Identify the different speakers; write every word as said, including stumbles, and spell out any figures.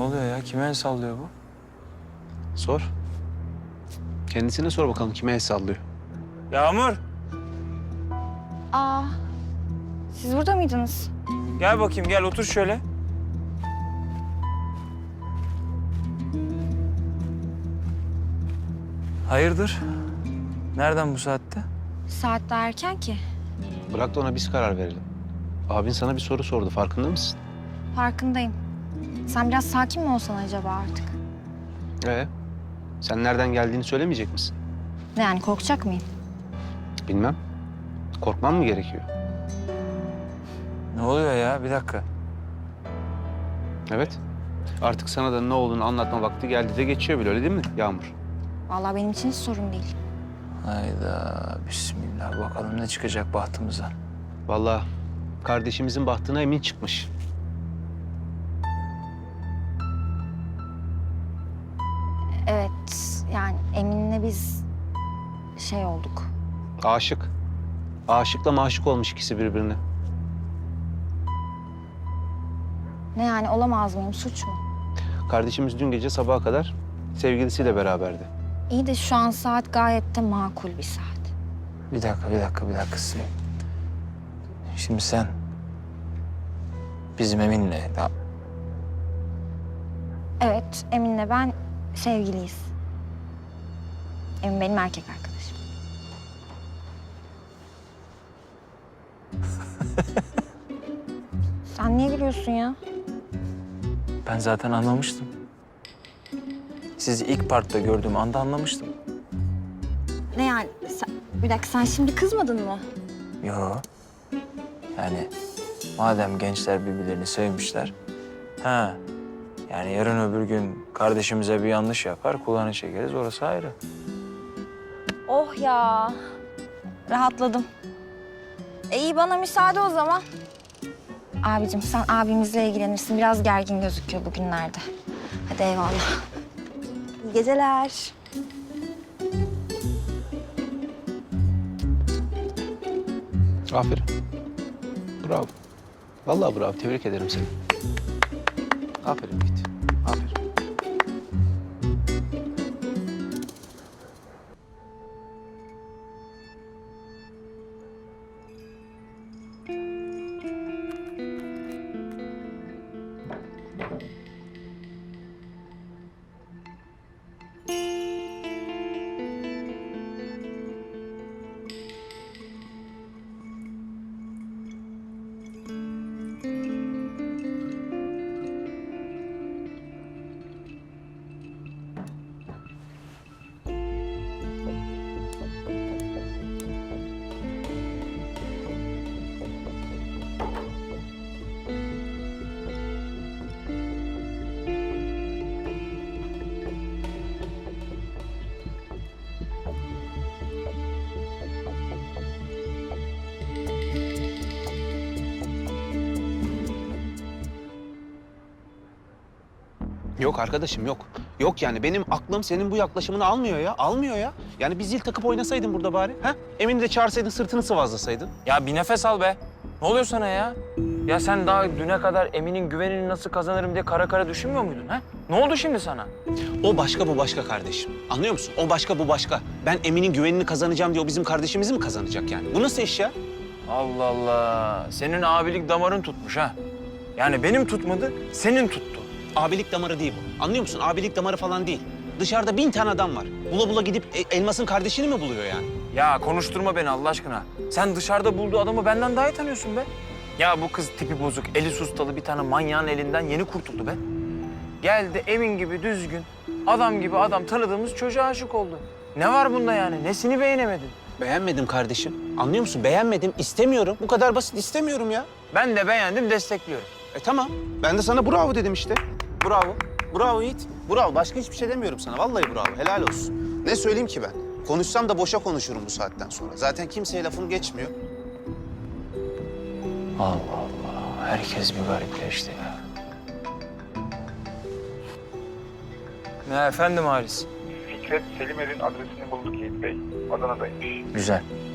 Speaker 1: oluyor ya? Kime el sallıyor bu?
Speaker 2: Sor. Kendisine sor bakalım kime el sallıyor.
Speaker 1: Yağmur,
Speaker 3: Aa, siz burada mıydınız?
Speaker 1: gel bakayım gel otur şöyle. Hayırdır? Nereden bu saatte?
Speaker 3: Saat daha erken ki.
Speaker 2: Bırak da ona biz karar verelim. Abin sana bir soru sordu, farkında mısın?
Speaker 3: Farkındayım. Sen biraz sakin mi olsan acaba artık?
Speaker 2: Ee, sen nereden geldiğini söylemeyecek misin?
Speaker 3: Ne yani, korkacak mıyım?
Speaker 2: Bilmem. Korkman mı gerekiyor?
Speaker 1: Ne oluyor ya? Bir dakika.
Speaker 2: Evet. Artık sana da ne olduğunu anlatma vakti geldi de geçiyor bile, öyle değil mi Yağmur?
Speaker 3: Vallahi benim için hiç sorun değil.
Speaker 1: Hayda, bismillah. Bakalım ne çıkacak bahtımıza.
Speaker 2: Vallahi kardeşimizin bahtına emin çıkmış.
Speaker 3: Evet, yani Emin'le biz şey olduk.
Speaker 2: Aşık. Aşıkla maşık olmuş ikisi birbirine.
Speaker 3: Ne yani, olamaz mıyım, suç mu?
Speaker 2: Kardeşimiz dün gece sabaha kadar sevgilisiyle beraberdi.
Speaker 3: İyi de şu an saat gayet de makul bir saat.
Speaker 1: Bir dakika, bir dakika, bir dakika. Şimdi sen bizim Emin'le ya,
Speaker 3: Evet, Emin'le ben sevgiliyiz. Emin benim erkek arkadaşım. Sen niye gülüyorsun ya?
Speaker 1: ben zaten anlamıştım. Sizi ilk parkta gördüğüm anda anlamıştım.
Speaker 3: Ne yani? Sen, bir dakika, sen şimdi kızmadın mı?
Speaker 1: Yo. Yani madem gençler birbirlerini sevmişler. Ha. Yani yarın öbür gün kardeşimize bir yanlış yapar, kulağını çekeriz. Orası ayrı.
Speaker 3: Oh ya. Rahatladım. E iyi, bana müsaade o zaman. Abicim, sen abimizle ilgilenirsin. Biraz gergin gözüküyor bugünlerde. Hadi eyvallah. İyi geceler.
Speaker 2: Aferin. Bravo. Vallahi bravo. Tebrik ederim seni. Aferin Yiğit. Aferin. Yok arkadaşım yok. Yok yani benim aklım senin bu yaklaşımını almıyor ya. Almıyor ya. Yani bir zil takıp oynasaydın burada bari. Ha? Emin'i de çağırsaydın, sırtını sıvazlasaydın.
Speaker 1: Ya bir nefes al be. Ne oluyor sana ya? Ya sen daha düne kadar Emin'in güvenini nasıl kazanırım diye kara kara düşünmüyor muydun ha? Ne oldu şimdi sana?
Speaker 2: O başka bu başka kardeşim. Anlıyor musun? O başka bu başka. Ben Emin'in güvenini kazanacağım diye o bizim kardeşimizi mi kazanacak yani? Bu nasıl iş ya?
Speaker 1: Allah Allah. Senin abilik damarın tutmuş ha. Yani benim tutmadı, senin tuttu.
Speaker 2: Abilik damarı değil bu. Anlıyor musun? Abilik damarı falan değil. Dışarıda bin tane adam var. Bula bula gidip e- Elmas'ın kardeşini mi buluyor yani?
Speaker 1: Ya konuşturma beni Allah aşkına. Sen dışarıda bulduğu adamı benden daha iyi tanıyorsun be. Ya bu kız tipi bozuk, eli sustalı bir tane manyağın elinden yeni kurtuldu be. Geldi Emin gibi düzgün, adam gibi adam tanıdığımız çocuğa aşık oldu. Ne var bunda yani? Nesini beğenemedin?
Speaker 2: Beğenmedim kardeşim. Anlıyor musun? Beğenmedim. İstemiyorum. Bu kadar basit. İstemiyorum ya.
Speaker 1: Ben de beğendim, destekliyorum.
Speaker 2: E tamam. Ben de sana bravo dedim işte. Bravo. Bravo Yiğit. Bravo. Başka hiçbir şey demiyorum sana. Vallahi bravo. Helal olsun. Ne söyleyeyim ki ben? Konuşsam da boşa konuşurum bu saatten sonra. Zaten kimseye lafım geçmiyor.
Speaker 1: Allah Allah. Herkes bir garipleşti ya. Ne efendim Halis?
Speaker 4: Fikret Selimer'in adresini bulduk Yiğit Bey. Adana'daymış.
Speaker 1: Güzel.